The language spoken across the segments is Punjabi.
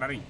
ਖੜਾ ਰਹੀ।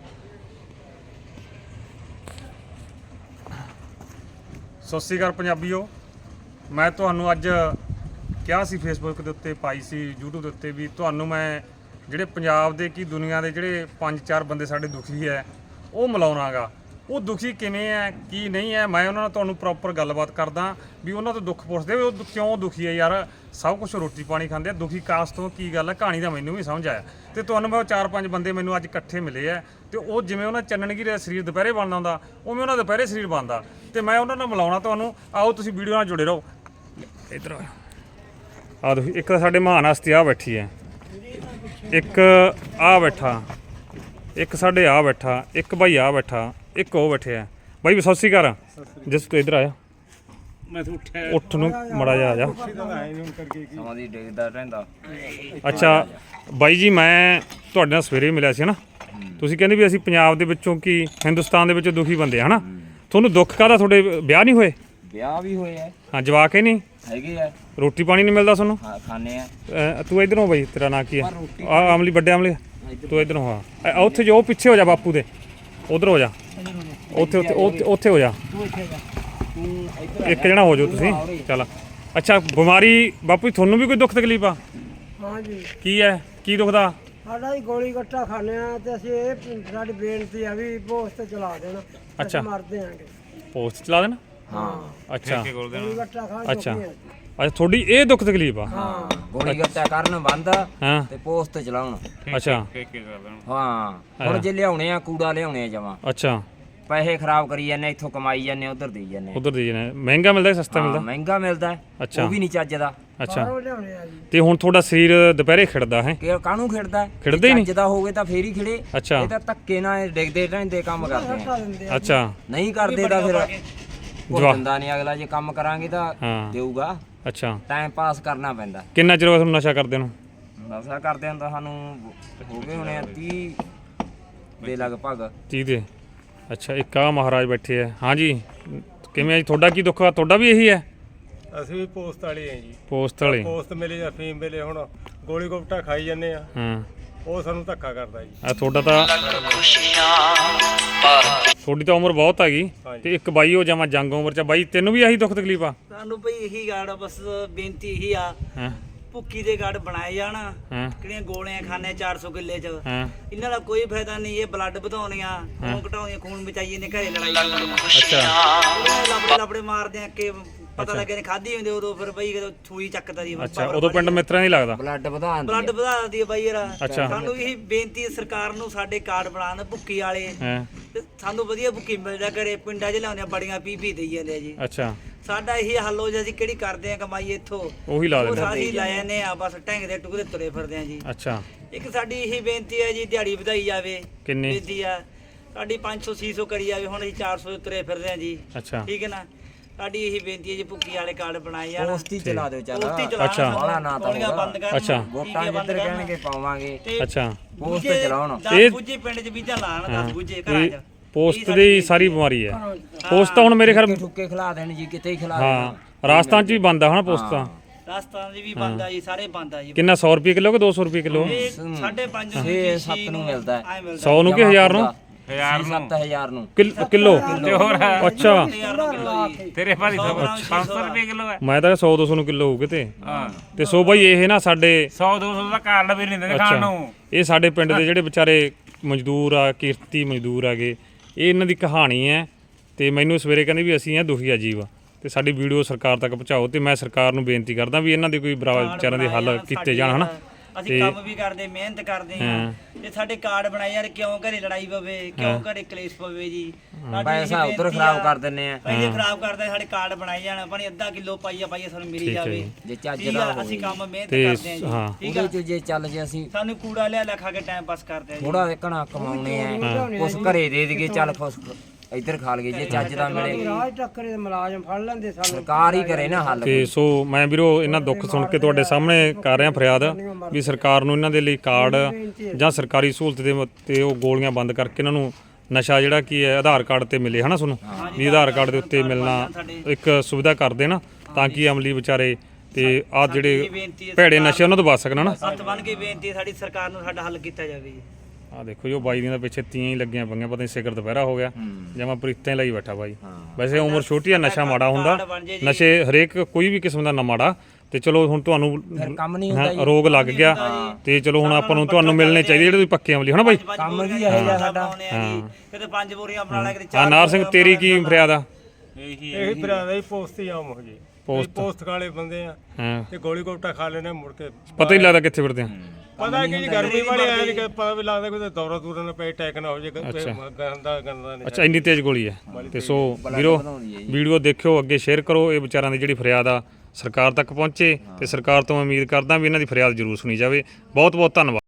ਸਤਿ ਸ਼੍ਰੀ ਅਕਾਲ ਪੰਜਾਬੀਓ। ਮੈਂ ਤੁਹਾਨੂੰ ਅੱਜ ਕਿਹਾ ਸੀ ਫੇਸਬੁੱਕ ਦੇ ਉੱਤੇ, ਪਾਈ ਸੀ YouTube ਦੇ ਉੱਤੇ ਵੀ ਤੁਹਾਨੂੰ ਮੈਂ ਜਿਹੜੇ ਪੰਜਾਬ ਦੇ ਕੀ ਦੁਨੀਆ ਦੇ ਜਿਹੜੇ 5-4 ਬੰਦੇ ਸਾਡੇ ਦੁਖੀ ਹੈ ਉਹ ਮਿਲਾਉਣਾਗਾ। ਉਹ ਦੁਖੀ ਕਿਵੇਂ ਹੈ ਕੀ ਨਹੀਂ ਹੈ, ਮੈਂ ਉਹਨਾਂ ਨਾਲ ਤੁਹਾਨੂੰ ਪ੍ਰੋਪਰ ਗੱਲਬਾਤ ਕਰਦਾ ਵੀ ਉਹਨਾਂ ਤੋਂ ਦੁੱਖ ਪੁੱਛਦੇ ਵੀ ਉਹ ਕਿਉਂ ਦੁਖੀ ਹੈ। ਯਾਰ ਸਭ ਕੁਝ ਰੋਟੀ ਪਾਣੀ ਖਾਂਦੇ ਆ, ਦੁਖੀ ਕਾਸ ਤੋਂ ਕੀ ਗੱਲ ਹੈ, ਕਹਾਣੀ ਦਾ ਮੈਨੂੰ ਵੀ ਸਮਝ ਆਇਆ। ਤੇ ਤੁਹਾਨੂੰ ਮੈਂ 4-5 ਬੰਦੇ ਮੈਨੂੰ ਅੱਜ ਇਕੱਠੇ ਮਿਲੇ ਆ ਤੇ ਉਹ ਜਿਵੇਂ ਉਹਨਾਂ ਚੰਨਣਗੀ ਦਾ ਸਰੀਰ ਦੁਪਹਿਰੇ ਬਣਦਾ ਹੁੰਦਾ ਉਵੇਂ ਉਹਨਾਂ ਦੁਪਹਿਰੇ ਸਰੀਰ ਬਣਦਾ ਤੇ ਮੈਂ ਉਹਨਾਂ ਨਾਲ ਮਿਲਾਉਣਾ ਤੁਹਾਨੂੰ। ਆਓ ਤੁਸੀਂ ਵੀਡੀਓ ਨਾਲ ਜੁੜੇ ਰਹੋ। ਇੱਧਰ ਆ ਦੇਖੋ, ਇੱਕ ਤਾਂ ਸਾਡੇ ਮਹਾਨ ਹਸਤੀ ਆ ਬੈਠੀ ਹੈ, ਇੱਕ ਆ ਬੈਠਾ, ਇੱਕ ਸਾਡੇ ਆ ਬੈਠਾ, ਇੱਕ ਭਾਈ ਆ ਬੈਠਾ, ਇੱਕ ਉਹ ਬੈਠੇ ਆ। ਬਾਈ ਸਤਿ ਸ਼੍ਰੀ ਅਕਾਲ। ਜਿਸ ਤੂੰ ਇੱਧਰ ਆਇਆ ਮੈਂ ਤਾਂ ਉੱਠਿਆ ਉੱਠ ਨੂੰ ਮੜਾ ਜਾ ਆ ਜਾ। ਸਮਾਂ ਦੀ ਡਿੱਗਦਾ ਰਹਿੰਦਾ। ਅੱਛਾ ਬਾਈ ਜੀ, ਮੈਂ ਤੁਹਾਡੇ ਨਾਲ ਸਵੇਰੇ ਮਿਲਿਆ ਸੀ ਨਾ, ਤੁਸੀਂ ਕਹਿੰਦੇ ਵੀ ਅਸੀਂ ਪੰਜਾਬ ਦੇ ਵਿੱਚੋਂ ਕੀ ਹਿੰਦੁਸਤਾਨ ਦੇ ਵਿੱਚੋਂ ਦੁਖੀ ਬੰਦੇ ਆ ਹਨਾ। ਤੁਹਾਨੂੰ ਦੁੱਖ ਕਾਹਦਾ, ਤੁਹਾਡੇ ਵਿਆਹ ਨਹੀਂ ਹੋਏ? ਵਿਆਹ ਵੀ ਹੋਏ ਆ, ਹਾਂ ਜਵਾਕ ਹੀ ਨਹੀਂ ਹੈਗੇ ਆ, ਰੋਟੀ ਪਾਣੀ ਨਹੀਂ ਮਿਲਦਾ ਤੁਹਾਨੂੰ? ਖਾਣੇ ਆ। ਤੂੰ ਇੱਧਰੋਂ ਬਾਈ, ਤੇਰਾ ਨਾਂ ਕੀ ਹੈ? ਆ ਅਮਲੀ, ਵੱਡੇ ਅਮਲੀ, ਤੂੰ ਇੱਧਰੋਂ। ਹਾਂ ਉੱਥੇ ਜੋ ਪਿੱਛੇ ਹੋ ਜਾ ਬਾਪੂ ਦੇ, ਉਧਰ ਹੋ ਜਾ, ਉੱਥੇ ਉੱਥੇ ਹੋ ਜਾ, ਇੱਕ ਜਣਾ ਹੋ ਜਾਓ ਤੁਸੀਂ। ਚੱਲ ਅੱਛਾ, ਬਿਮਾਰੀ ਬਾਪੂ ਜੀ ਤੁਹਾਨੂੰ ਵੀ ਕੋਈ ਦੁੱਖ ਤਕਲੀਫ ਆ? ਹਾਂ ਜੀ। ਕੀ ਹੈ, ਕੀ ਦੁਖਦਾ? ਸਾਡਾ ਹੀ ਗੋਲੀ ਗੱਟਾ ਖਾਣੇ ਆ ਤੇ ਅਸੀਂ ਇਹ ਸਾਡੀ ਬੇਨਤੀ ਆ ਵੀ ਪੋਸਟ ਚਲਾ ਦੇਣਾ। ਅੱਛਾ। ਮਰਦੇ ਆਂਗੇ ਪੋਸਟ ਚਲਾ ਦੇਣਾ? ਹਾਂ। ਅੱਛਾ ਗੋਲੀ ਗੱਟਾ ਖਾ ਅੱਛਾ ਅੱਛਾ, ਤੁਹਾਡੀ ਇਹ ਦੁੱਖ ਤਕਲੀਫ ਆ? ਹਾਂ। ਗੋਲੀ ਗੱਟਾ ਕਰਨ ਬੰਦ ਹਾਂ ਤੇ ਪੋਸਟ ਚਲਾਉਣ। ਅੱਛਾ ਹਾਂ, ਹੁਣ ਜੇ ਲਿਆਉਣੇ ਆ ਕੂੜਾ ਲਿਆਉਣੇ ਆ ਜਮਾ, ਅੱਛਾ, ਪੈਸੇ ਖਰਾਬ ਕਰੀ ਜਾਂਦੇ, ਇੱਥੋਂ ਕਮਾਈ ਜਾਂਦੇ, ਉਧਰ ਦੇਈ ਜਾਂਦੇ। ਉਧਰ ਦੀ ਜਨੇ ਮਹਿੰਗਾ ਮਿਲਦਾ ਕਿ ਸਸਤਾ ਮਿਲਦਾ? ਮਹਿੰਗਾ ਮਿਲਦਾ, ਅੱਛਾ। ਉਹ ਵੀ ਨਹੀਂ ਚੱਜਦਾ। ਅੱਛਾ, ਬਾਹਰੋਂ ਲਿਆਉਣੇ ਆ ਜੀ। ਤੇ ਹੁਣ ਤੁਹਾਡਾ ਸਰੀਰ ਦੁਪਹਿਰੇ ਖਿੜਦਾ ਹੈ? ਕਿ ਕਾਹਨੂੰ ਖਿੜਦਾ? ਖਿੜਦਾ ਹੀ ਨਹੀਂ? ਚੱਜਦਾ ਹੋਵੇ ਤਾਂ ਫੇਰ ਹੀ ਖਿੜੇ। ਅੱਛਾ ਇਹ ਤਾਂ ਧੱਕੇ ਨਾਲ ਡਿੱਗਦੇ ਰਹਿੰਦੇ ਕੰਮ ਕਰਦੇ ਹਟਾ ਆ। ਦਿੰਦੇ ਆ। ਅੱਛਾ ਨਹੀਂ ਕਰਦੇ ਤਾਂ ਫਿਰ ਜਵਾਬ ਦਿੰਦਾ ਨਹੀਂ ਅਗਲਾ। ਜੇ ਕੰਮ ਕਰਾਂਗੇ ਤਾਂ ਹਾਂ। ਦੇਊਗਾ। ਅੱਛਾ, ਟਾਈਮ ਪਾਸ ਕਰਨਾ ਪੈਂਦਾ। ਕਿੰਨਾ ਚਿਰ ਹੋ ਗਿਆ ਤੁਹਾਨੂੰ ਨਸ਼ਾ ਕਰਦੇ ਨੂੰ? ਨਸ਼ਾ ਕਰਦੇ ਹਾਂ ਤਾਂ ਸਾਨੂੰ ਹੋ ਗਏ ਹੋਣੇ 30 ਦੇ ਲਗਭਗ। 30 ਦੇ? ਅੱਛਾ, ਇੱਕ ਆ ਮਹਾਰਾਜ ਬੈਠੇ ਆ। ਹਾਂਜੀ ਕਿਵੇਂ ਜੀ, ਤੁਹਾਡਾ ਕੀ ਦੁੱਖ ਆ? ਤੁਹਾਡਾ ਵੀ ਇਹੀ ਹੈ? ਅਸੀਂ ਵੀ ਪੋਸਟ ਵਾਲੇ ਆ ਜੀ। ਪੋਸਟ ਵਾਲੇ? ਪੋਸਟ ਮਿਲੇ ਜਾਂ ਫੀਮ ਮਿਲੇ, ਹੁਣ ਗੋਲੀ ਗੋਪਟਾ ਖਾਈ ਜਾਂਦੇ ਆ, ਹਾਂ। ਉਹ ਸਾਨੂੰ ਧੱਕਾ ਕਰਦਾ ਜੀ। ਆ ਤੁਹਾਡਾ ਤਾਂ, ਤੁਹਾਡੀ ਤਾਂ ਉਮਰ ਬਹੁਤ ਹੈਗੀ ਤੇ ਇੱਕ ਬਾਈ ਹੋ ਜਾਵਾਂ ਜੰਗ ਉਮਰ ਚ। ਬਾਈ ਤੈਨੂੰ ਵੀ ਇਹੀ ਦੁੱਖ ਤਕਲੀਫ ਆ? ਸਾਨੂੰ ਭਈ ਇਹੀ ਗਾੜ ਬਸ ਬੇਨਤੀ ਇਹੀ ਆ, ਹਾਂ ਭੁੱਕੀ ਦੇ ਗਾੜ ਬਣਾਏ ਜਾਣ। ਹਾਂ ਕਿਹੜੀਆਂ ਗੋਲੀਆਂ ਖਾਣੇ 400 ਕਿੱਲੇ ਚ, ਹਾਂ। ਇਹਨਾਂ ਦਾ ਕੋਈ ਫਾਇਦਾ ਨਹੀਂ। ਇਹ ਬਲੱਡ ਵਧਾਉਣੀਆਂ, ਖੂਨ ਘਟਾਉਂਦੀਆਂ, ਖੂਨ ਬਚਾਈਏ ਨੇ, ਘਰੇ ਲੜਾਈ ਕਰਨੀਆਂ। ਅੱਛਾ ਲੱਭੜੇ ਮਾਰਦੇ ਆ ਕਿ ਪਤਾ ਲੱਗੇ ਨੇ ਖਾਧੀ ਹੁੰਦੇ ਉਦੋਂ ਫਿਰ ਬਈ ਜਦੋਂ ਛੂਈ ਚੱਕਦਾ ਦੀ ਅੱਛਾ, ਉਦੋਂ ਪਿੰਡ ਮਿੱਤਰਾਂ ਨਹੀਂ ਲੱਗਦਾ? ਬਲੱਡ ਵਧਾਉਣ ਬਲੱਡ ਵਧਾ ਦਿੰਦੀ ਹੈ ਬਾਈ ਯਾਰ। ਅੱਛਾ। ਸਾਨੂੰ ਇਹੀ ਬੇਨਤੀ ਹੈ ਸਰਕਾਰ ਨੂੰ, ਸਾਡੇ ਕਾਰਡ ਬਣਾਉਣ ਭੁੱਕੀ ਵਾਲੇ, ਹਾਂ ਤੇ ਸਾਨੂੰ ਵਧੀਆ ਭੁੱਕੀ ਮਿਲ ਜਾ ਕਰੇ। ਪਿੰਡਾਂ 'ਚ ਲਿਆਉਂਦੇ ਬੜੀਆਂ ਪੀ ਦੇਈ ਜਾਂਦੇ ਆ ਜੀ। ਅੱਛਾ, ਸਾਡਾ ਇਹੀ ਹੱਲ ਹੋ ਜਾ, ਅਸੀਂ ਕਿਹੜੀ ਕਰਦੇ ਆ ਕਮਾਈ ਇੱਥੋਂ, ਉਹੀ ਲਾ ਉਹ ਦਿੰਦੇ? ਸਾਰੀ ਲੈ ਜਾਂਦੇ ਆ, ਬਸ ਢੰਗ ਦੇ ਟੁਕੜੇ ਤੁਰੇ ਫਿਰਦੇ ਆ ਜੀ। ਅੱਛਾ, ਇੱਕ ਸਾਡੀ ਇਹੀ ਬੇਨਤੀ ਹੈ ਜੀ, ਦਿਹਾੜੀ ਵਧਾਈ ਜਾਵੇ। ਕਿੰਨੀ? ਬੇਨਤੀ ਆ ਸਾਡੀ 500-600 ਕਰੀ ਜਾਵੇ। ਹੁਣ ਅਸੀਂ 400 ਤੁਰੇ ਫਿਰਦੇ ਆ ਜੀ। ਅੱਛਾ ਠੀਕ ਹੈ ਨਾ, ਸਾਡੀ ਇਹੀ ਬੇਨਤੀ ਹੈ ਜੀ, ਭੁੱਕੀ ਵਾਲੇ ਕਾਰਡ ਬਣਾਏ ਜਾਣ। ਪੋਸਟ ਹੀ ਚਲਾ ਦਿਓ ਚੱਲ। ਪੋਸਟ ਹੀ ਚਲਾਉਣ, ਅੱਛਾ। ਬਾਹਲਾ ਨਾ ਤਾਂ ਗੋਲੀਆਂ ਬੰਦ ਕਰਨ, ਅੱਛਾ। ਵੋਟਾਂ ਜਿੱਧਰ ਕਹਿਣਗੇ ਪਾਵਾਂਗੇ। ਅੱਛਾ। ਪੋਸਟ ਚਲਾਉਣ। ਇਹ- 10 ਬੁੱਝੇ ਪਿੰਡ 'ਚ ਬੀਜਾਂ ਲਾਣ, 10 ਬੁੱਝੇ ਘਰਾਂ ਇਹ 'ਚ। ਪੋਸਟ ਦੀ ਸਾਰੀ ਬਿਮਾਰੀ ਹੈ। ਪੋਸਟ ਤਾਂ ਹੁਣ ਮੇਰੇ ਖਿਆਲ, ਠੁੱਕੇ ਖਿਲਾ ਦੇਣ ਜੀ, ਕਿਤੇ ਹੀ ਖਿਲਾ ਹਾਂ ਦੇਣ। ਰਾਜਸਥਾਨ ਚ ਵੀ ਬੰਦ ਆ ਹਨਾ ਪੋਸਟ ਤਾਂ? ਰਾਜਸਥਾਨ ਦੀ ਵੀ ਬੰਦ ਆ ਜੀ, ਸਾਰੇ ਬੰਦ ਆ ਜੀ। ਕਿੰਨਾ, 100 ਰੁਪਏ ਕਿਲੋ ਕਿ 200 ਰੁਪਏ ਕਿਲੋ? ਇਹ 5.5 ਨੂੰ 6-7 ਨੂੰ ਮਿਲਦਾ ਹੈ। 100 ਨੂੰ ਕਿ 1000 ਨੂੰ? 7,000 ਨੂੰ ਕਿਲੋ? ਤੇ ਹੋਰ ਅੱਛਾ, ਤੇਰੇ ਭਾਰੀ 500 ਰੁਪਏ ਕਿਲੋ ਹੈ। ਮੈਂ ਤਾਂ 100-200 ਨੂੰ ਕਿਲੋ ਹੋਊ ਕਿਤੇ। ਹਾਂ, ਤੇ ਸੋ ਬਾਈ ਇਹ ਨਾ ਸਾਡੇ 100-200 ਦਾ ਕਾਰਡ ਵੀ ਨਹੀਂ ਦਿੰਦੇ ਖਾਣ ਨੂੰ। ਇਹ ਸਾਡੇ ਪਿੰਡ ਦੇ ਜਿਹੜੇ ਵਿਚਾਰੇ ਮਜ਼ਦੂਰ ਆ, ਕਿਰਤੀ ਮਜ਼ਦੂਰ ਆਗੇ, ਇਹ ਇਹਨਾਂ ਦੀ ਕਹਾਣੀ ਹੈ। ਤੇ ਮੈਨੂੰ ਸਵੇਰੇ ਕਹਿੰਦੇ ਵੀ ਅਸੀਂ ਆ ਦੁਖੀ ਆ ਜੀਵ, ਤੇ ਸਾਡੀ ਵੀਡੀਓ ਸਰਕਾਰ ਤੱਕ ਪਹੁੰਚਾਓ। ਤੇ ਮੈਂ ਸਰਕਾਰ ਨੂੰ ਬੇਨਤੀ ਕਰਦਾ ਵੀ ਇਹਨਾਂ ਦੇ ਕੋਈ ਵਿਚਾਰਿਆਂ ਦੇ ਹੱਲ ਕੀਤੇ ਜਾਣ ਹਨਾ। ਅਸੀਂ ਕੰਮ ਵੀ ਕਰਦੇ, ਮਿਹਨਤ ਕਰਦੇ ਹਾਂ, ਤੇ ਸਾਡੇ ਕਾਰਡ ਬਣਾਏ ਯਾਰ। ਕਿਉਂ ਘਰੇ ਲੜਾਈ ਪਵੇ, ਕਿਉਂ ਘਰੇ ਕਲੇਸ਼ ਪਵੇ ਜੀ? ਪੈਸਾ ਉਧਰ ਖਰਾਬ ਕਰ ਦਿੰਨੇ ਆ। ਪੈਸੇ ਖਰਾਬ ਕਰਦੇ, ਸਾਡੇ ਕਾਰਡ ਬਣਾਏ ਜਾਣ। ਆਪਣੀ ਅੱਧਾ ਕਿਲੋ ਪਾਈਆ ਸਾਨੂੰ ਮਿਲੀ ਜਾਵੇ। ਜੇ ਚੱਜ ਠੀਕ ਦਾ ਆ, ਹੋਵੇ ਅਸੀਂ ਕੰਮ ਮਿਹਨਤ ਤੇ ਕਰਦੇ ਹਾਂ ਹਾਂ। ਜੀ। ਠੀਕ ਆ, ਉਹਦੇ ਚ ਜੇ ਚੱਲ ਜੇ ਅਸੀਂ ਸਾਨੂੰ ਕੂੜਾ ਲਿਆ ਖਾ ਕੇ ਟਾਈਮ ਪਾਸ ਕਰਦੇ ਆ ਜੀ। ਥੋੜਾ ਘਣਾ ਕਮਾਉਣੇ ਆ, ਕੁਛ ਘਰੇ ਦੇ ਦੇਈਏ, ਚੱਲ ਕੁਛ ਇੱਧਰ ਖਾ ਲਈਏ। ਜੇ ਚੱਜ ਦਾ ਮਿਲੇ, ਰਾਜ ਟੱਕਰੇ ਦੇ ਮੁਲਾਜ਼ਮ ਫੜ ਲੈਂਦੇ ਸਾਨੂੰ। ਸਰਕਾਰ ਹੀ ਕਰੇ ਨਾ ਹੱਲ। ਤੇ ਸੋ ਮੈਂ ਵੀਰੋ ਇਹਨਾਂ ਦੁੱਖ ਸੁਣ ਕੇ ਤੁਹਾਡੇ ਸਾਹਮਣੇ ਕਰ ਰਿਹਾ ਫਰਿਆਦ ਵੀ ਸਰਕਾਰ ਨੂੰ ਇਹਨਾਂ ਦੇ ਲਈ ਕਾਰਡ ਜਾਂ ਸਰਕਾਰੀ ਸਹੂਲਤ ਦੇ ਤੇ ਉਹ ਗੋਲੀਆਂ ਬੰਦ ਕਰਕੇ ਇਹਨਾਂ ਨੂੰ ਨਸ਼ਾ ਜਿਹੜਾ ਕੀ ਹੈ ਆਧਾਰ ਕਾਰਡ ਤੇ ਮਿਲੇ ਹਨਾ ਤੁਹਾਨੂੰ, ਵੀ ਆਧਾਰ ਕਾਰਡ ਦੇ ਉੱਤੇ ਮਿਲਣਾ ਇੱਕ ਸੁਵਿਧਾ ਕਰ ਦੇਣਾ ਤਾਂ ਕਿ ਅਮਲੀ ਵਿਚਾਰੇ ਤੇ ਆਹ ਜਿਹੜੇ ਭੈੜੇ ਨਸ਼ੇ ਉਹਨਾਂ ਤੋਂ ਬਚ ਸਕਣ ਹਨਾ। ਹੱਥ ਬੰਨ ਕੇ ਬੇਨਤੀ ਹੈ ਸਾਡੀ ਸਰਕਾਰ ਨੂੰ, ਸਾਡਾ ਹੱਲ ਕੀਤਾ ਜਾਵੇ ਜੀ। ਆ ਦੇਖੋ ਜੀ ਉਹ ਬਾਈ ਦੀਆਂ ਤਾਂ ਪਿੱਛੇ ਤੀਆਂ ਹੀ ਲੱਗੀਆਂ ਪਈਆਂ, ਪਤਾ ਨਹੀਂ ਸਿਖਰ ਦੁਪਹਿਰਾ ਹੋ ਗਿਆ ਜਮਾ ਪ੍ਰੀਤਾਂ ਲਈ ਬੈਠਾ ਬਾਈ। ਵੈਸੇ ਉਮਰ ਛੋਟੀ ਆ, ਨਸ਼ਾ ਮਾੜਾ ਹੁੰਦਾ, ਨਸ਼ੇ ਹਰੇਕ ਕੋਈ ਵੀ ਕਿਸਮ ਦਾ ਨਾ ਮਾੜਾ, ਤੇ ਚਲੋ ਹੁਣ ਤੁਹਾਨੂੰ ਕੰਮ ਨਹੀਂ ਹੁੰਦਾ ਰੋਗ ਲੱਗ ਗਿਆ ਤੇ ਚਲੋ ਹੁਣ ਆਪਾਂ ਨੂੰ ਤੁਹਾਨੂੰ ਮਿਲਣੇ ਚਾਹੀਦੇ ਜਿਹੜੇ ਤੁਸੀਂ ਪੱਕੇ ਅਮਲੀ ਹਨਾ ਬਾਈ। ਕੰਮ ਕੀ ਇਹ ਜਿਹਾ ਸਾਡਾ ਕਿਤੇ 5 ਬੋਰੀਆਂ ਬਣਾ ਲਿਆ, ਕਿਤੇ ਆ ਨਾਰ ਸਿੰਘ ਤੇਰੀ ਕੀ ਫਰਿਆਦ ਆ? ਇਹੀ ਤਰ੍ਹਾਂ ਦਾ ਹੀ ਪੋਸਟ ਹੀ ਆਮ ਹੋ ਜੀ, ਪੋਸਟ ਵਾਲੇ ਬੰਦੇ ਆ ਹਾਂ ਤੇ ਗੋਲੀ ਗੋਪਟਾ ਖਾ ਲੈਣੇ ਮੁੜ ਕੇ ਪਤਾ ਹੀ ਲੱਗਦਾ ਕਿੱਥੇ ਫਿਰਦੇ ਆ। ਪਤਾ ਕਿ ਜੀ ਗਰਮੀ ਵਾਲੇ ਆਏ ਨਹੀਂ, ਪਤਾ ਵੀ ਲੱਗਦਾ ਕੋਈ ਦੌਰਾ ਦੂਰਾ ਨਾ ਪਏ, ਅਟੈਕ ਨਾ ਹੋ ਜੇ, ਗੰਦਾ ਨਹੀਂ। ਅੱਛਾ ਇੰਨੀ ਤੇਜ਼ ਗੋਲੀ ਹੈ। ਤੇ ਸੋ ਵੀਰੋ ਵੀਡੀਓ ਦੇਖਿਓ, ਅੱਗੇ ਸ਼ੇਅਰ ਕਰੋ, ਇਹ ਵਿਚਾਰਾਂ ਦੀ ਜਿਹੜੀ ਫਰਿਆਦ ਆ ਸਰਕਾਰ ਤੱਕ ਪਹੁੰਚੇ ਤੇ ਸਰਕਾਰ ਤੋਂ ਉਮੀਦ ਕਰਦਾ ਵੀ ਇਹਨਾਂ ਦੀ ਫਰਿਆਦ ਜ਼ਰੂਰ ਸੁਣੀ ਜਾਵੇ। ਬਹੁਤ ਬਹੁਤ ਧੰਨਵਾਦ।